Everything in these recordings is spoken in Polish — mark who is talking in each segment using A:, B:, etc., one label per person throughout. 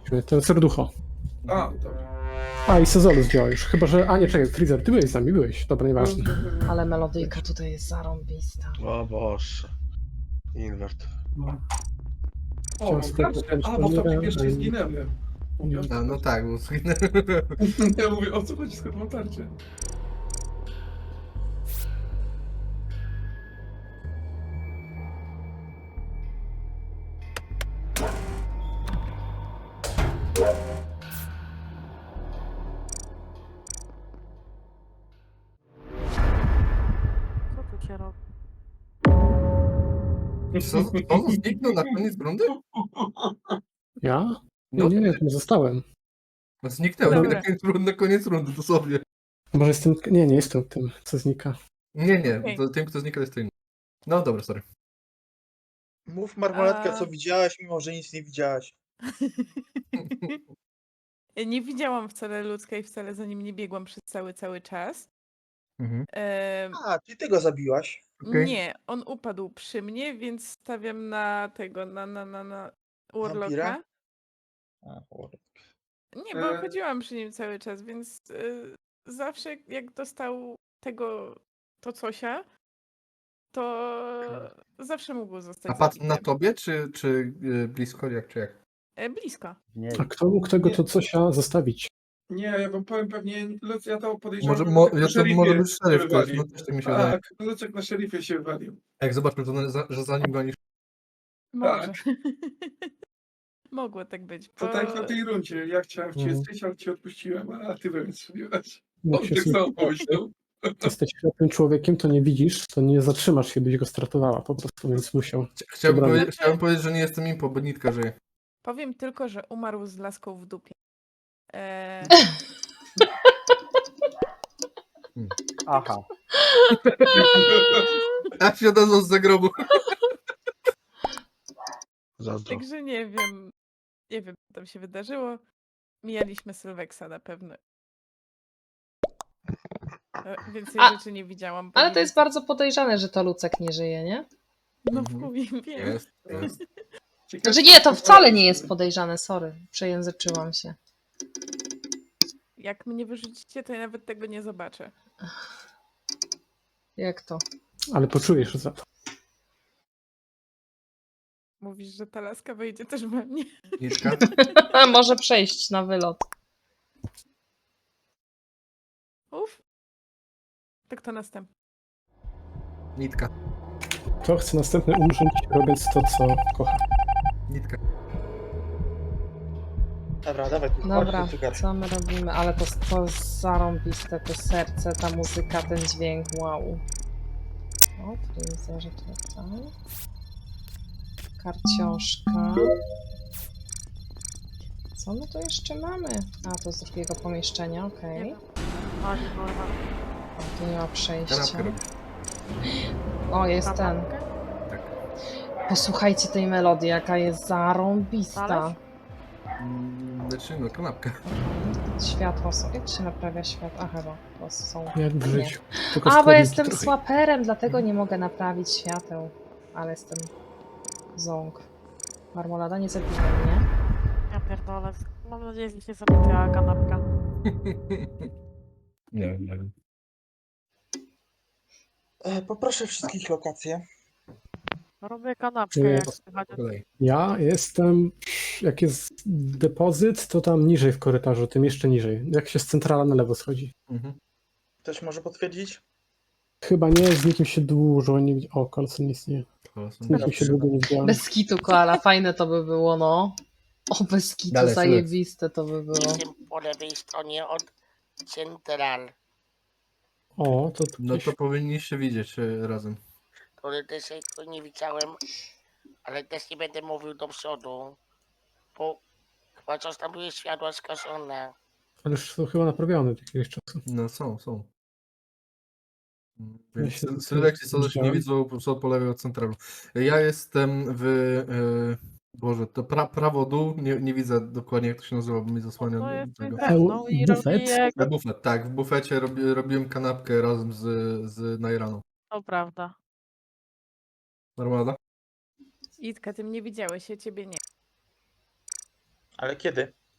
A: Ten serducho.
B: A, dobra.
A: A, i Sezolus działa już. Chyba, że... A, nie, czekaj, Freezer, ty byłeś z nami, byłeś. Dobra, nieważne.
C: Ale melodyjka tutaj jest zarąbista.
D: O Boże. Invert.
A: No.
B: O, mam
A: Ciastek,
B: kartę. A, bo w tobie pierwszy
A: nie.
B: zginęłem. Mówię, o co
E: A, no
B: chodzi?
E: tak, bo
B: Ja mówię, o co chodzi, skąd mam tarczę?
F: Co tu cię robi?
E: co zniknął na koniec rundy?
A: Ja?
E: No,
A: Nie, nie zostałem.
E: no zniknęło
F: Dobra.
E: na koniec rundy, dosłownie.
A: Może jestem... Nie jestem tym, co znika.
E: Nie,
F: Okej.
E: to tym, kto znika, jest to inny. No dobra, sorry.
G: Mów Marmoletka,
F: A-
G: co widziałaś, mimo że nic nie widziałaś.
F: Nie widziałam wcale ludzkiej, wcale za nim nie biegłam przez cały czas.
E: Mhm.
G: A, ty tego zabiłaś.
E: Okej.
F: Nie, on upadł przy mnie, więc stawiam na tego, na Urloka.
G: Wampira? A, cholera.
F: Nie, bo chodziłam przy nim cały czas, więc zawsze jak dostał to cosia, to zawsze mógł zostać
E: A padł
F: zabity.
E: na tobie, czy blisko, czy jak?
F: Blisko.
A: A kto mógł tego to cosia zostawić?
B: Nie, ja wam powiem pewnie, ja to podejrzewam.
E: Może,
B: że Lucek na
E: to może
B: szeryfie
E: być szeryf,
B: się
E: to jest,
B: wywalił.
E: no też tak mi się wydaje.
B: Tak, Lucek na szeryfie się wywalił.
E: Jak zobaczmy, że za nim gonisz.
F: Może. Mogło tak być.
B: To
F: bo-
B: tak na tej rundzie. Ja chciałem w ciebie
E: Mhm.
B: strzelić, ale cię odpuściłem, a ty we mnie strzeliłaś.
A: Jak
B: On
A: się
B: tak samo pomyślał.
A: jesteś ślepym człowiekiem, to nie widzisz, to nie zatrzymasz się, byś go stratowała po prostu, więc musiał.
E: Chciałbym,
A: Dobra.
E: chciałbym powiedzieć, że nie jestem impo, bo nitka żyje.
F: Powiem tylko, że umarł z laską w dupie.
D: Aha.
E: A się odezwał z zagrobu.
D: Zazdro.
F: Także nie wiem. Nie wiem, co tam się wydarzyło. Mijaliśmy Sylweksa na pewno. Więcej rzeczy nie widziałam.
C: Ale to jest bardzo podejrzane, że to Lucek nie żyje, nie?
F: No
E: Mhm.
F: w chuj, wiem.
E: Jest.
B: Ciekawe,
C: Znaczy nie, to wcale nie jest podejrzane, sorry. Przejęzyczyłam się.
F: Jak mnie wyrzucicie, to ja nawet tego nie zobaczę.
C: Jak to?
A: Ale poczujesz za to.
F: Mówisz, że ta laska wejdzie też we mnie.
E: Nitka?
C: Może przejść na wylot.
F: Uf. To kto następny?
E: Nitka.
A: Kto chce następny umrzeć, robiąc to, co kocha?
E: Nitka.
G: Dobra, dawaj, tu
C: Dobra,
G: chodź, tu czekaj.
C: co my robimy? Ale to zarąbiste, to serce, ta muzyka, ten dźwięk, wow. O, freezerze tutaj. Karciążka. Co my tu jeszcze mamy? A, to z drugiego pomieszczenia, okej.
F: Nie wiem. Chodź, kurwa.
C: O, tu nie ma przejścia.
E: Kanapkę robisz.
C: O, jest ten.
F: Kanapkę?
E: Tak.
C: Posłuchajcie tej melodii, jaka jest zarąbista.
F: Talerz?
E: Znaczy, no kanapkę.
C: Światło są. Jak się naprawia światło? A chyba, to są.
A: Jak w
C: Nie.
A: życiu. Tylko
C: A, bo
A: składniki
C: jestem
A: trochę.
C: swaperem, dlatego nie mogę naprawić świateł. Ale jestem ząg. Marmolada nie zabija mnie.
F: Ja pierdolę. Mam nadzieję, że się zabiła kanapka.
E: Nie wiem.
G: Poproszę wszystkich lokacje.
F: Robię kanapkę,
A: Nie,
F: jak
A: po-
F: słychać.
E: Po kolei.
A: Ja jestem, jak jest depozyt, to tam niżej w korytarzu, tym jeszcze niżej. Jak się z centrala na lewo schodzi.
E: Mhm.
G: Ktoś może potwierdzić?
A: Chyba nie, z nikim się dużo nie widziałem. O, kolce nic nie. Z nikim się długo nie widziałem.
C: Bez kitu, koala, fajne to by było, no. O, bez kitu,
E: Dalej,
C: zajebiste to by było.
H: Jestem po lewej stronie od Central,
A: O, to tu
E: No
A: gdzieś...
E: to powinniście widzieć razem.
H: który też jeszcze nie widziałem, ale też nie będę mówił do przodu, bo chyba coś tam były światła skaszone.
A: Ale już są chyba naprawione od jakiegoś czasu.
E: No są.
A: Ja
E: Więc
A: się
E: Sylwek i Sodoś nie
A: widziałem.
E: widzą po lewej od centralu. Ja jestem w... Boże, to prawo dół, nie widzę dokładnie jak to się nazywa, bo mi zasłania
F: To jest
E: tego.
F: no i
A: Bufet?
F: robi
E: Bufet, tak, w bufecie robiłem kanapkę razem z Najraną.
F: To prawda.
E: Normalna?
F: Itka, ty mnie widziałeś, ja ciebie nie.
G: Ale kiedy?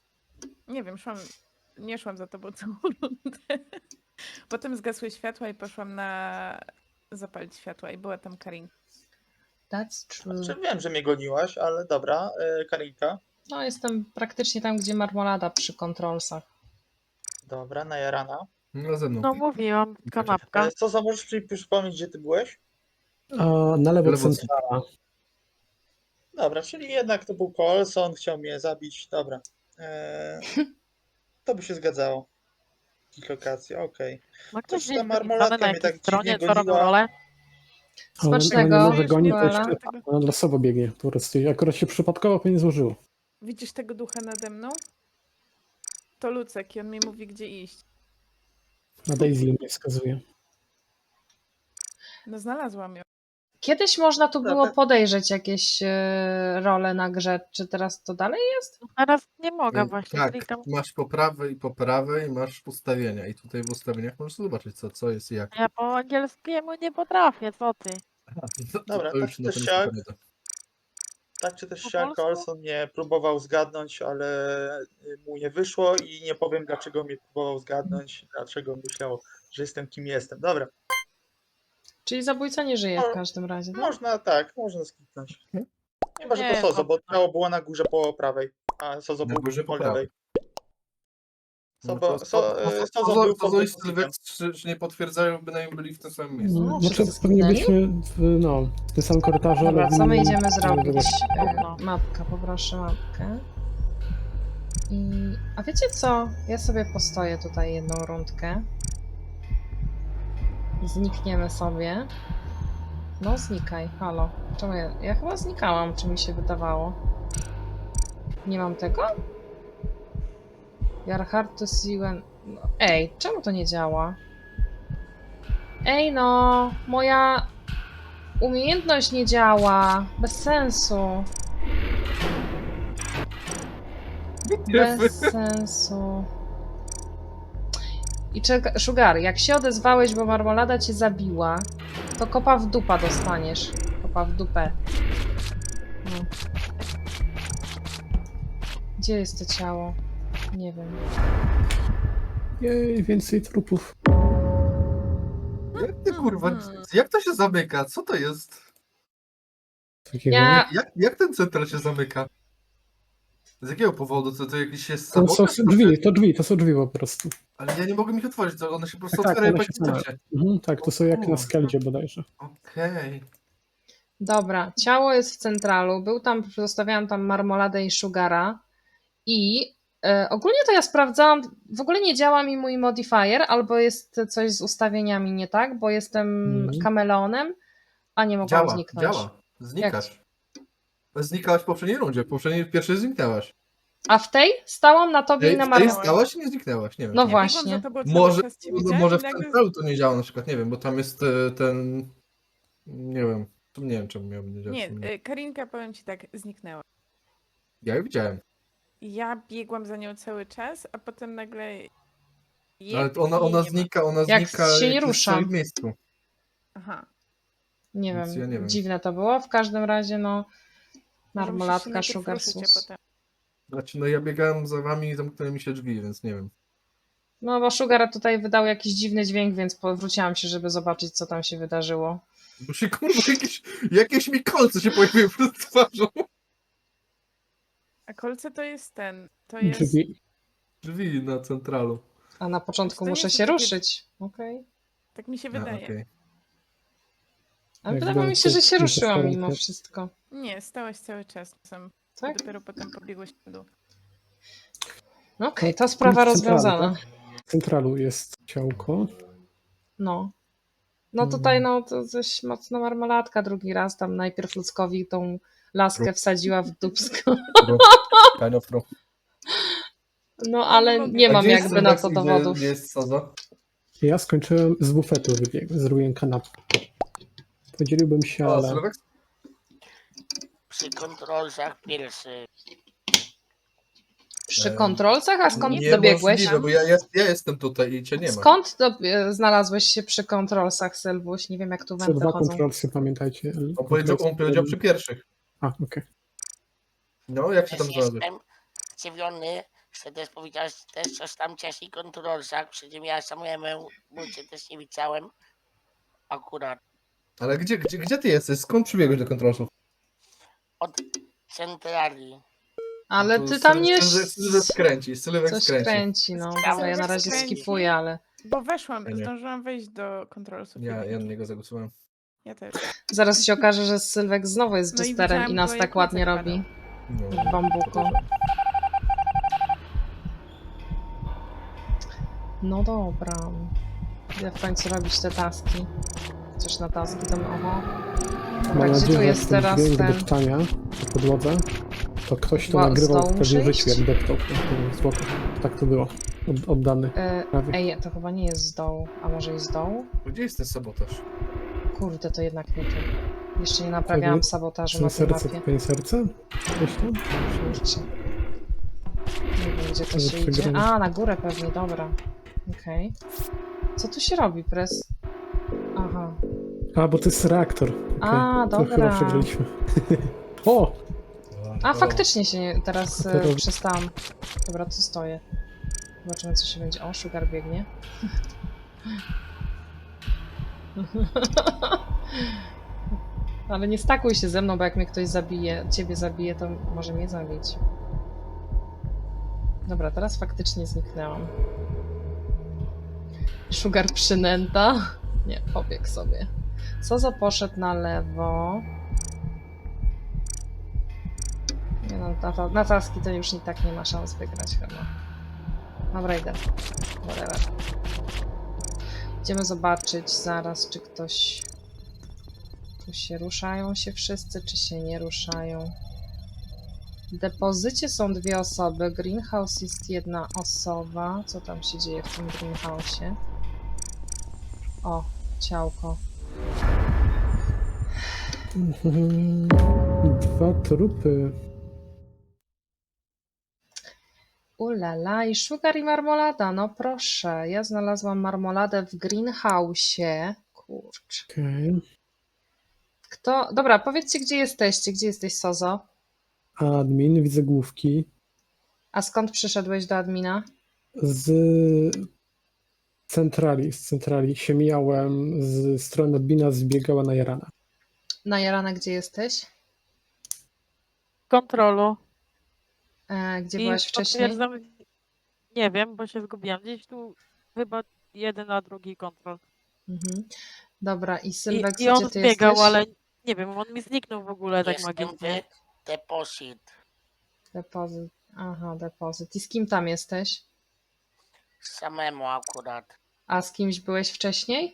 F: Nie wiem, nie szłam za tobą całą rundę. Potem zgasły światła i poszłam zapalić światła i była tam Karinka.
C: That's true.
G: Znaczy, wiem, że mnie goniłaś, ale dobra, Karinka.
C: No, jestem praktycznie tam, gdzie marmolada przy kontrolsach.
G: Dobra, najarana.
E: No ze mną.
I: No mówiłam, kanapka.
G: Co za możesz mi przypomnieć, gdzie ty byłeś?
A: A na lewo
E: Lewo
A: centrala.
G: Dobra, czyli jednak to był Coulson, chciał mnie zabić. Dobra. To by się zgadzało. Ich lokacja, okej.
I: Ma
G: Coś
I: ktoś
G: ta
I: gdzieś
G: marmolatka
I: napisane na
G: mnie tak
I: jakiej stronie,
G: dziwnie
I: co robią
G: goniła.
I: rolę?
C: Smacznego.
A: Ona nie może gonić, to
C: Joela.
A: jeszcze ona losowo biegnie. Po prostu akurat się przypadkowo pewnie złożyło.
F: Widzisz tego ducha nade mną? To Lucek i on mi mówi, gdzie iść.
A: Na Daisy mnie wskazuje.
F: No znalazłam ją.
C: Kiedyś można tu było
G: Dobra.
C: podejrzeć jakieś role na grze. Czy teraz to dalej jest?
I: Teraz nie mogę właśnie,
E: Tak,
I: klikam.
E: masz po prawej masz ustawienia i tutaj w ustawieniach możesz zobaczyć co jest i jak.
I: Ja po angielskiemu nie potrafię, co ty?
G: Dobra,
E: to
G: tak
E: już
G: czy
E: na
G: też
E: pewno
G: siak.
E: pamiętam.
G: Tak czy też
I: Po
G: siak,
I: polsku?
G: Coulson mnie próbował zgadnąć, ale mu nie wyszło i nie powiem, dlaczego mnie próbował zgadnąć, dlaczego myślał, że jestem kim jestem. Dobra,
C: Czyli zabójca nie żyje w każdym razie, tak?
G: można skipnąć. Chyba, że
I: Nie,
G: to Sozo, bo
I: dobra.
G: ciało było na górze po prawej, a Sozo
E: Na
G: był
E: górze
G: po
E: po
G: lewej.
E: No
G: Sozo,
E: to
G: Sozo był pod
E: Sozo i
G: depozytem.
E: Sylwek czy nie potwierdzają, bynajmniej byli w tym samym miejscu.
C: No,
A: Znaczy,
C: wszyscy
A: pewnie
C: zginęli?
A: byliśmy w tym samym korytarzu,
C: Dobra,
A: ale...
C: co my
A: nie-
C: idziemy
A: nie
C: zrobić?
A: wiadomo.
C: Mapka, poproszę mapkę. A wiecie co? Ja sobie postoję tutaj jedną rundkę. Znikniemy sobie. No znikaj, halo. Czemu ja chyba znikałam, czy mi się wydawało? Nie mam tego? You're hard to see when... No, ej, czemu to nie działa? Ej no, moja umiejętność nie działa. Bez sensu. Bez sensu. I czeka, Sugar, jak się odezwałeś, bo marmolada cię zabiła, to kopa w dupa dostaniesz. Kopa w dupę. No. Gdzie jest to ciało? Nie wiem.
A: Jej, więcej trupów.
E: Jak ty kurwa, jak to się zamyka? Co to jest?
A: Takiego.
C: Ja-
E: Jak ten central się zamyka? Z jakiego powodu? To jakiś jest
A: To są
E: sabotaż?
A: drzwi, to są drzwi po prostu.
E: Ale ja nie mogę ich otworzyć, to one się po prostu
A: Tak,
E: otwierają
A: one
E: po
A: się same.
E: czasie.
A: Tak, to są jak na Skeldzie bodajże.
E: Okej.
C: Dobra, ciało jest w centralu. Był tam, zostawiałam tam marmoladę i Sugara. I ogólnie to ja sprawdzałam, w ogóle nie działa mi mój modifier, albo jest coś z ustawieniami nie tak, bo jestem kameleonem, a nie mogłam zniknąć.
E: Działa. Znikasz. Znikałaś w poprzedniej rundzie, w pierwszej zniknęłaś.
C: A w tej stałam na tobie i na
E: W tej
C: marmoladzie.
E: stałaś i nie zniknęłaś, nie wiem.
C: No
E: czemu.
C: właśnie.
F: Biegłam za tobą cały
E: Może,
F: czas, cię widziałam
E: może
F: i
E: w
F: nagle
E: centralu to nie działa na przykład, nie wiem, bo tam jest ten... Nie wiem. Nie wiem, czemu miałby nie działać.
F: Nie, Karinka, powiem ci tak, zniknęła.
E: Ja ją widziałem.
F: Ja biegłam za nią cały czas, a potem nagle...
E: No, ale to ona
F: jej nie ma.
E: znika,
C: Jak się nie
E: jest
C: ruszam.
E: w swoim miejscu.
F: Aha.
C: Nie
E: Więc
C: wiem,
E: ja nie wiem.
C: dziwne to było. W każdym razie, no,
F: Może musisz się
C: marmolatka,
F: najpierw
C: sugar
F: ruszyć, a
C: sus.
F: potem...
E: Znaczy, no ja biegałem za wami i zamknęły mi się drzwi, więc nie wiem.
C: No, bo Sugar tutaj wydał jakiś dziwny dźwięk, więc powróciłam się, żeby zobaczyć, co tam się wydarzyło.
E: Bo się kurwa jakieś mi kolce się pojawiły przed twarzą.
F: A kolce to jest to jest...
A: Drzwi.
E: Drzwi na centralu.
C: A na początku
F: To nie
C: muszę
F: są
C: się
F: takie-
C: ruszyć. Okej.
F: Tak mi się
E: A,
F: wydaje.
E: okej.
C: Ale
A: Jak
C: wydawało mi się, że się
A: byłem
C: ruszyłam
A: tu-
C: mimo wszystko.
F: Nie, stałaś cały czas sam.
C: Tak?
F: Dopiero potem pobiegłeś w dół.
C: Okej, ta sprawa
A: Jest centralny,
C: rozwiązana.
A: W centralu jest ciałko.
C: No. No tutaj, no, to coś mocno marmoladka drugi raz. Tam najpierw ludzkowi tą laskę wsadziła w dupsko.
E: Kind of true.
C: No, ale nie
E: A
C: mam
E: gdzie jest
C: jakby na to
E: Sylwek i
C: dowodów.
E: Gdzie jest Sozo?
A: Ja skończyłem z bufetu, zrobiłem kanapkę. Podzieliłbym się,
E: O,
A: ale...
E: Sylwek?
H: Przy kontrolsach pierwszy.
C: Przy kontrolcach? A skąd
E: Nie
C: dobiegłeś?
E: możliwe, bo ja jestem tutaj i cię nie ma.
C: Skąd znalazłeś się przy kontrolsach, Sylwuś? Nie wiem, jak tu
A: Co
C: wenty
A: dwa
C: chodzą.
A: kontrolsy, pamiętajcie.
E: On powiedział przy pierwszych.
A: A, okej.
E: No, jak się tam
H: Też
E: znalazłeś?
H: jestem zdziwiony, Chcę też powiedzieć też coś tam wcześniej kontrolsach, przy czym ja samemu cię też nie widziałem. Akurat
E: Ale gdzie ty jesteś? Skąd przybiegłeś do kontrolsów?
H: od centrali.
C: Ale
E: Tu
C: ty tam nie...
E: Sylwek skręci, Sylwek
C: Coś
E: skręci.
C: kręci, no. Dobra, ja na razie
F: Skręci.
C: skipuję, ale...
F: Bo weszłam,
E: Ja nie.
F: zdążyłam wejść do kontrolsów.
E: Ja na niego zagłosowałem.
F: Ja też.
C: Zaraz się okaże, że Sylwek znowu jest
F: No i
C: Jesterem
F: widziałam
C: i nas
F: go,
C: tak
F: jak
C: ładnie
F: Jacek
C: robi.
E: No.
C: W bambuku. No dobra. Idę w końcu robić te taski. Coś na taski to oho.
A: Mam
C: Dobra, gdzie tu
A: nadzieję, że
C: jest
A: ten
C: teraz
A: dźwięk
C: ten...
A: deptania po podłodze, to ktoś to
C: Ła-
A: nagrywał
C: z dołu
A: pewnie w
C: muszę
A: życiu,
C: iść?
A: jak deptał. Spoko. Tak to było. Oddany. Prawie.
C: Ej, to chyba nie jest z dołu. A może i z dołu?
E: Gdzie jest ten sabotaż?
C: Kurde, to jednak nie tu. Jeszcze nie naprawiałam
A: Pewnie
C: sabotażu na
A: Czy
C: tej
A: serce,
C: mapie.
A: twoje serce? Gdzieś tam?
C: Kurczę. Nie wiem, gdzie to
A: Ale
C: się idzie.
A: przegramy.
C: A, na górę pewnie, dobra. Okej. Co tu się robi, pres? Aha.
A: A, bo to jest reaktor. Okej,
C: A,
A: to
C: dobra.
A: chyba przegraliśmy. O!
C: A, faktycznie się nie, teraz
A: To robi-
C: przestałam. Dobra, tu stoję. Zobaczymy, co się będzie. O, Sugar biegnie. Ale nie stakuj się ze mną, bo jak mnie ktoś zabije, ciebie zabije, to może mnie zabić. Dobra, teraz faktycznie zniknęłam. Sugar przynęta. Nie, pobiegł sobie. Sozo poszedł na lewo. Nie no, na taski to już i tak nie ma szans wygrać chyba. Dobra, idę. Whatever. Idziemy zobaczyć zaraz, czy ktoś... Tu się ruszają się wszyscy, czy się nie ruszają. W depozycie są 2 osoby. Greenhouse jest 1 osoba. Co tam się dzieje w tym greenhouse'ie? O, ciałko.
A: 2 trupy.
C: Ulala, i sugar i marmolada, no proszę. Ja znalazłam marmoladę w greenhouse'ie. Kurczę.
A: Okej.
C: Kto... Dobra, powiedzcie, gdzie jesteście. Gdzie jesteś, Sozo?
A: Admin, widzę główki.
C: A skąd przyszedłeś do admina?
A: Z centrali się mijałem z strony admina, zbiegała na Jarana.
C: Na Jarana, gdzie jesteś?
I: Kontrolu.
C: Gdzie
I: I
C: byłaś wcześniej?
I: potwierdzam, nie wiem, bo się zgubiłam. Gdzieś tu chyba 1, a drugi kontrol.
C: Mhm. Dobra, i Sylwek,
I: I on
C: gdzie ty
I: zbiegał,
C: jesteś?
I: ale nie wiem, on mi zniknął w ogóle tak
H: Jestem
I: magicznie.
H: w depozyt.
C: Depozyt. Aha, depozyt. I z kim tam jesteś?
H: Samemu akurat.
C: A z kimś byłeś wcześniej?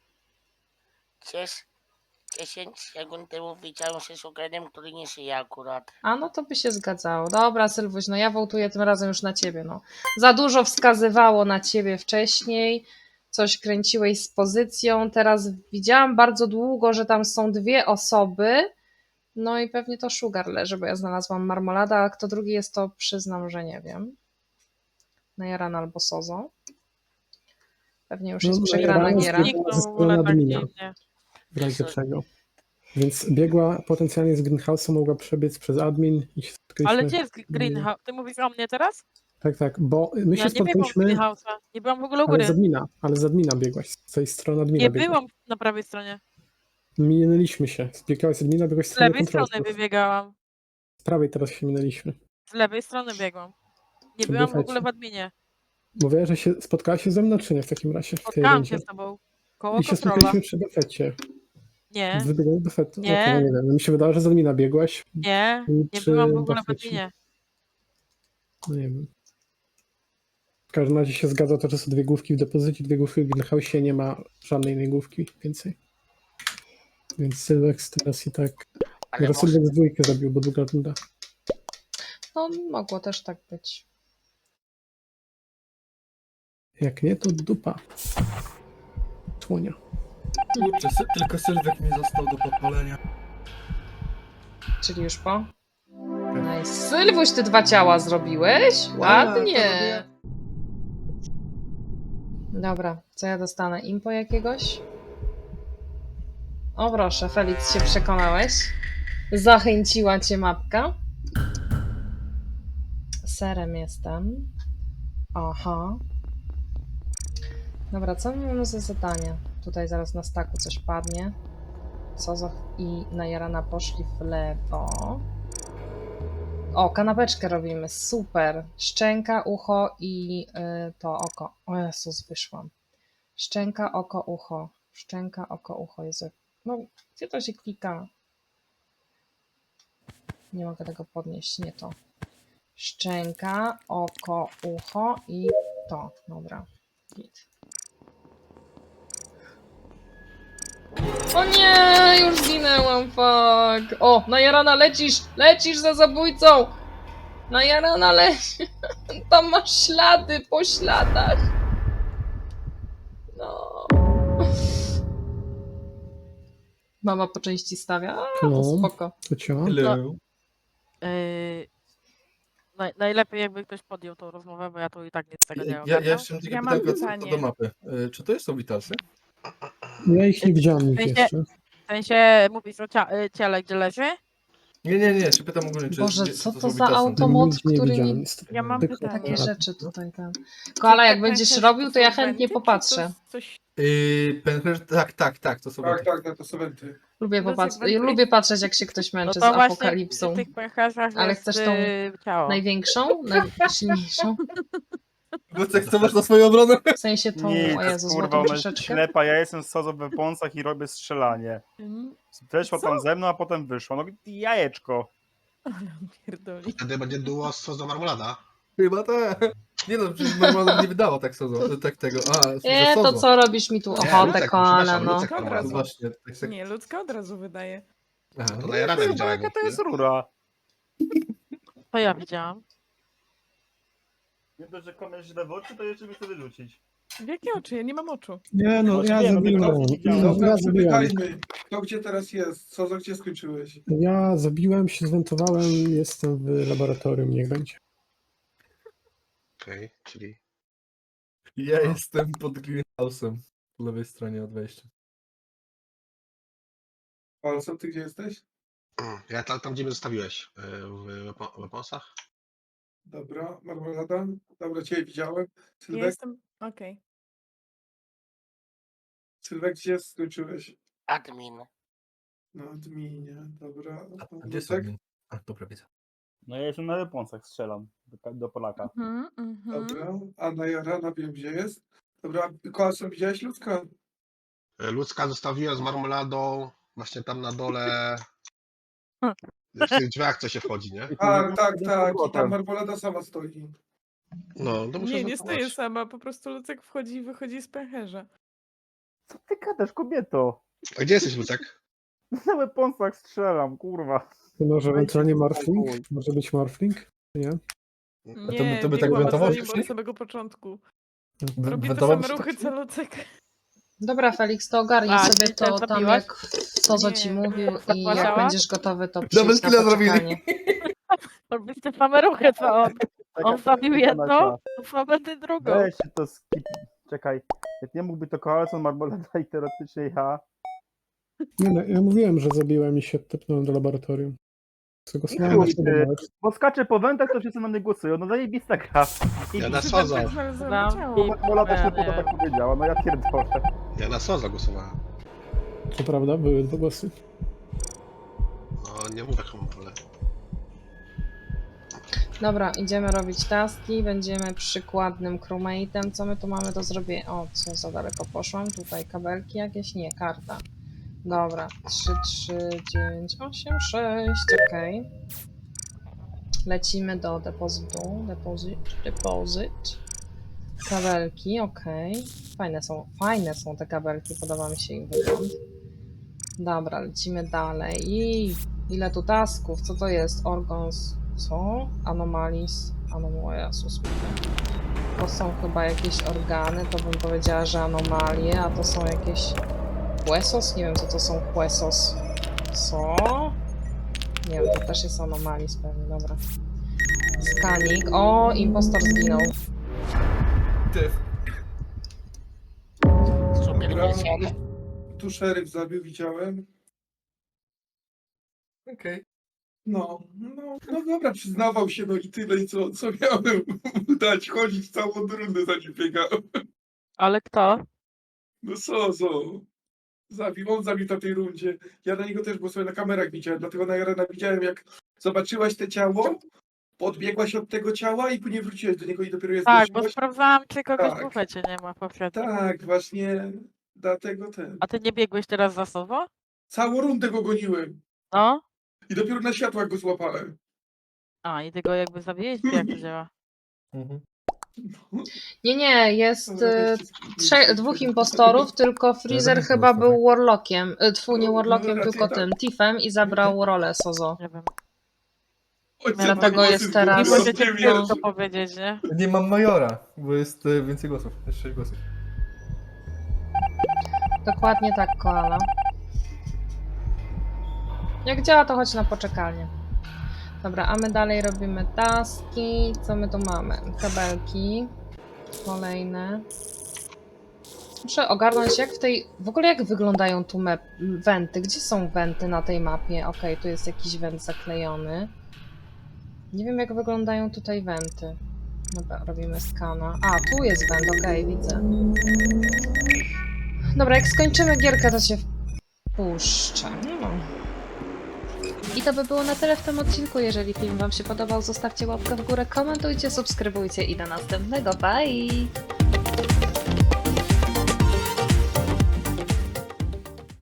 H: 10 sekund temu widziałem się z Sugarem, który nie żyje akurat.
C: A no to by się zgadzało. Dobra, Sylwuś, no ja wołtuję tym razem już na ciebie. No. Za dużo wskazywało na ciebie wcześniej. Coś kręciłeś z pozycją. Teraz widziałam bardzo długo, że tam są 2 osoby. No i pewnie to Sugar leży, bo ja znalazłam marmolada, a kto drugi jest, to przyznam, że nie wiem. Najaran albo Sozo. Pewnie już jest
A: No,
C: przegrana
A: Najaran
C: giera.
I: Zniknął w ogóle tak
A: admina.
I: dziwnie.
A: W razie czego. Więc biegła potencjalnie z Greenhouse'a, mogła przebiec przez admin i się spotkaliśmy.
I: Ale gdzie jest Greenhouse? Ty mówisz o mnie teraz?
A: Tak, bo my
I: Ja
A: się
I: nie biegłam z
A: spotkaliśmy,
I: Greenhouse'a. Nie byłam w ogóle u
A: ale
I: góry.
A: z admina biegłaś, z tej strony admina
I: Nie
A: biegłaś.
I: byłam na prawej stronie.
A: Minęliśmy się, zbiegałaś z admina, biegłaś w
I: Z
A: stronę
I: lewej strony
A: kontrolsów.
I: wybiegałam.
A: Z prawej teraz się minęliśmy.
I: Z lewej strony biegłam. Nie
A: To
I: byłam w
A: dufajcie.
I: ogóle w adminie.
A: Mówiłaś, że się spotkałaś się ze mną, czy nie w takim razie? W tej
I: Spotkałam
A: rundzie?
I: się z tobą. Koło
A: I się
I: kontrola.
A: spotkaliśmy przy defecie.
I: Nie,
A: Wybiegłeś do defetu.
I: Nie.
A: Okej, no nie wiem. Mi się wydało, że z admina biegłaś.
I: nie, nie
A: Czy
I: byłam w ogóle w
A: defecie?
I: adminie.
A: No nie wiem. W każdym razie się zgadza to, że są 2 główki w depozycie, 2 główki w Greenhouse'ie, nie ma żadnej innej główki więcej. Więc Sylwek teraz i tak...
H: Ale
A: Może Sylwek z 2 zabił, bo druga runda.
C: No, mogło też tak być.
A: Jak nie, to dupa. Słonia.
E: Kurczę, tylko Sylwek mi został do podpalenia.
C: Czyli już po? Nice. Sylwuś, ty 2 ciała zrobiłeś? Ładnie. Dobra, co ja dostanę? Impo jakiegoś? O proszę, Felix, się przekonałeś. Zachęciła cię mapka. serem jestem. Aha. Dobra, co my mamy za zadanie? Tutaj zaraz na staku coś padnie. Sozoch i Najarana poszli w lewo. O, kanapeczkę robimy, super. Szczęka, ucho i to oko. O Jezus, wyszłam. Szczęka, oko, ucho. Szczęka, oko, ucho. Jezu. No, gdzie to się klika? Nie mogę tego podnieść, nie to. Szczęka, oko, ucho i to. Dobra. Git. O nie, już zginęłam, fuck. O, Najarana, lecisz, lecisz za zabójcą. Najarana, leci. Tam masz ślady po śladach. No. Mama po części stawia? A, to
A: No.
C: spoko.
A: To cię.
E: Hello.
I: Najlepiej jakby ktoś podjął tą rozmowę, bo ja tu i tak nic z tego nie
E: Ja
I: ogarniam.
E: jeszcze mam takie
F: Ja mam
E: pytanko co
F: pytanie.
E: do mapy. Czy to są witalsy?
A: Ja ich nie widziałem ich
I: Wiecie-
A: jeszcze.
I: W sensie mówisz o ciele, gdzie leży?
E: Nie, czy pytam ogólnie, czy
C: Boże,
E: czy
C: co
E: są
C: to za
E: witalsy?
C: automat,
A: Nigdzie nie
C: który
A: widziałem
C: mi
A: niestety.
F: Ja mam
A: Tylko
F: pytanie.
C: takie
A: aparat.
C: rzeczy tutaj tam. Koala, jak
F: Te
C: będziesz
F: pęcherze
C: robił, to ja
F: są
C: chętnie
F: wenty, czy
C: popatrzę.
F: to coś...
E: Pęcherz, tak, to są
B: Tak,
E: wenty.
B: tak, to są wenty.
C: Lubię,
F: Lucek,
C: popatrzeć,
F: wenty-
C: lubię patrzeć, jak się ktoś
I: No
C: męczy
I: to
C: z
I: właśnie
C: apokalipsą.
I: w tych pęcherzach
C: Ale
I: jest
C: chcesz tą
I: ciało.
C: Największą? Najsilniejszą?
E: Wojtek, co masz na swoją obronę?
C: W sensie tą,
J: Nie,
C: o
J: to
C: Jezu,
J: jest kurwa,
C: złotą
J: ona jest
C: troszeczkę?
J: ślepa, ja jestem z Sozo w Weaponsach i robię strzelanie. Weszła
F: Co?
J: tam ze mną, a potem wyszła. No i jajeczko.
F: Ale pierdoli.
D: Wtedy będzie duo z Sozo Marmolada.
E: Chyba tak. Nie no, przecież normalnie nie wydało tak Sozo, tak tego.
C: Nie, to
E: Sozo.
C: co robisz mi tu
D: Nie,
C: ochotę,
D: Lucek,
C: koala,
D: przepraszam,
C: no.
D: Lucek
F: Od
E: No
F: razu.
E: właśnie, tak.
F: Nie, ludzka od razu wydaje.
E: Aha,
D: To na Jarana widziałem.
J: Jaka to jest rura?
I: To ja widziałam.
J: Nie dość, że komuś źle w oczy, to jeszcze mi chce wyrzucić.
F: W jakie oczy? Ja nie mam oczu.
A: Nie no,
J: Znaczy
A: ja
J: nie, no
A: zabiłem.
J: tylko widziałem.
B: Dobra,
A: Ja zabiłem.
B: przepytajmy. Kto gdzie teraz jest? Co za gdzie skończyłeś?
A: Ja zabiłem się, zwentowałem, jestem w laboratorium, niech będzie.
D: Okej, czyli
E: Ja jestem pod greenhouse'em po lewej stronie od wejścia.
B: Palcem, ty gdzie jesteś?
D: ja tam gdzie mnie zostawiłeś, w Weaponsach.
B: Dobra, Marmolada. Dobra, ciebie widziałem.
F: Ja
B: Sylwek,
F: jestem... Okej.
B: Sylwek, gdzie skończyłeś?
H: Admin.
B: Na adminie, dobra.
E: A gdzie są
B: Lucek?
E: admin? A, dobra, widzę.
J: No ja jestem na Weaponsach, strzelam do Polaka.
B: Dobra, a Najarana wiem gdzie jest. Dobra, Koalson, widziałeś ludzka?
D: Ludzka zostawiłem z Marmoladą, właśnie tam na dole. W tych drzwiach, co się wchodzi, nie?
B: Tak. I tam
J: powrotem.
B: Marmolada sama stoi.
D: No, to muszę
F: Nie, nie
D: zachować.
F: stoję sama, po prostu Lucek wchodzi i wychodzi z pęcherza.
J: Co ty gadasz, kobieto?
D: A gdzie jesteś, Lucek?
J: Na Weaponsach strzelam, kurwa.
A: To może ewentualnie
J: Dajcie
A: Morphling?
J: spokój.
A: Może być Morphling? Nie?
F: Nie,
E: to by tak
F: biegłam
E: wentował
F: za nim
E: wcześniej?
F: od samego początku.
A: Mhm.
F: Robię te
E: Wentował
F: same
E: się
F: ruchy
E: tak?
F: co Lucek.
C: Dobra, Felix, to ogarnij
I: A,
C: sobie
I: ty
C: to
I: też
C: tam,
I: zabiłaś?
C: jak Sozo ci
F: Nie.
C: mówił i jak
I: Zapłacała?
C: będziesz gotowy, to
E: Double
C: przyjdź na
E: killa zrobili.
C: poczekanie.
I: Robisz te same ruchy, co on. On zabił jedno,
J: Nasia.
I: to słabe ty drugą.
J: Weź się to skip. Czekaj. Jak nie mógłby to Koalson, Marmolada i teoretycznie ja.
A: Nie, no, ja mówiłem, że zabiłem i się tepnąłem do laboratorium. Zagłosowałem na
J: Chuj,
A: siebie
J: ty.
A: nawet.
J: Bo skacze po wentach, to wszyscy na mnie głosują. No zajebista gra.
D: Ja na
F: Przy
D: Sozo.
F: wentach znalazłam
I: Znam
F: ciało.
I: i-
J: Marmolada się
I: Nie,
J: poda
I: nie.
J: tak powiedziała, no ja pierdolę.
D: Ja na Sozo głosowałem.
A: To prawda, były dwa głosy.
D: No, nie mów jaką mam rolę.
C: Dobra, idziemy robić taski, będziemy przykładnym crewmate'em. Co my tu mamy do zrobienia? O, co za daleko poszłam? Tutaj kabelki jakieś? Nie, karta. Dobra, 3, 3, 9, 8, 6, okej. Lecimy do depozytu. Depozyt. Kabelki, okej. Fajne są te kabelki, podoba mi się ich wygląd. Dobra, lecimy dalej. I ile tu tasków? Co to jest? Organs. Co? Anomalis. Jezus. To są chyba jakieś organy, to bym powiedziała, że anomalie, a to są jakieś... Huesos? Nie wiem, co to są huesos. Co? Nie wiem, to też jest anomalis pewnie, dobra. Skanik. O, impostor zginął.
E: Ty.
H: Super
B: Dobra,
H: misja.
B: tu szeryf zabił, widziałem.
E: Okej.
B: No dobra, przyznawał się, no i tyle, i co miałem mu dać, chodzić całą rundę za nim biegałem.
I: Ale kto?
B: No co? On zabił na tej rundzie. Ja na niego też, bo sobie na kamerach widziałem, dlatego na Jarana widziałem, jak zobaczyłaś te ciało, podbiegłaś od tego ciała i później wróciłeś do niego i dopiero je
I: Tak, bo
B: zgłosiłaś.
I: sprawdzałam, czy kogoś
B: Tak.
I: w bufecie nie ma poprzednio.
B: Tak, właśnie dlatego ten.
I: A ty nie biegłeś teraz za Sowo?
B: Całą rundę go goniłem
I: No?
B: i dopiero na światłach go złapałem.
I: A, i ty go jakby zabiłeś, czy jak to działa?
E: Mhm.
C: Nie, jest
B: Dobra, weźcie
C: dwóch impostorów, tylko Freezer
E: Jeden
C: chyba
E: impostor.
C: był Warlockiem. Nie Warlockiem,
B: No, raczej
C: tylko
B: tak.
C: tym, Tiffem i zabrał rolę Sozo.
I: Nie wiem.
B: Ojciec
C: Dlatego
B: mój
C: jest
B: głosy
C: teraz-
B: zgubiłem,
I: Możecie
B: nie
I: mi
B: wierzę.
I: to powiedzieć, nie?
E: Nie mam Majora, bo jest więcej głosów. Jest 6 głosów.
C: Dokładnie tak, Koala. Jak działa, to chodź na poczekalnię. Dobra, a my dalej robimy taski. Co my tu mamy? Kabelki. Kolejne. Muszę ogarnąć, jak w tej... W ogóle jak wyglądają tu wenty? Gdzie są wenty na tej mapie? Okej, tu jest jakiś went zaklejony. Nie wiem, jak wyglądają tutaj wenty. Dobra, robimy skana. A, tu jest went, okej, widzę. Dobra, jak skończymy gierkę, to się wpuszczę. No. I to by było na tyle w tym odcinku. Jeżeli film Wam się podobał, zostawcie łapkę w górę, komentujcie, subskrybujcie i do następnego. Bye!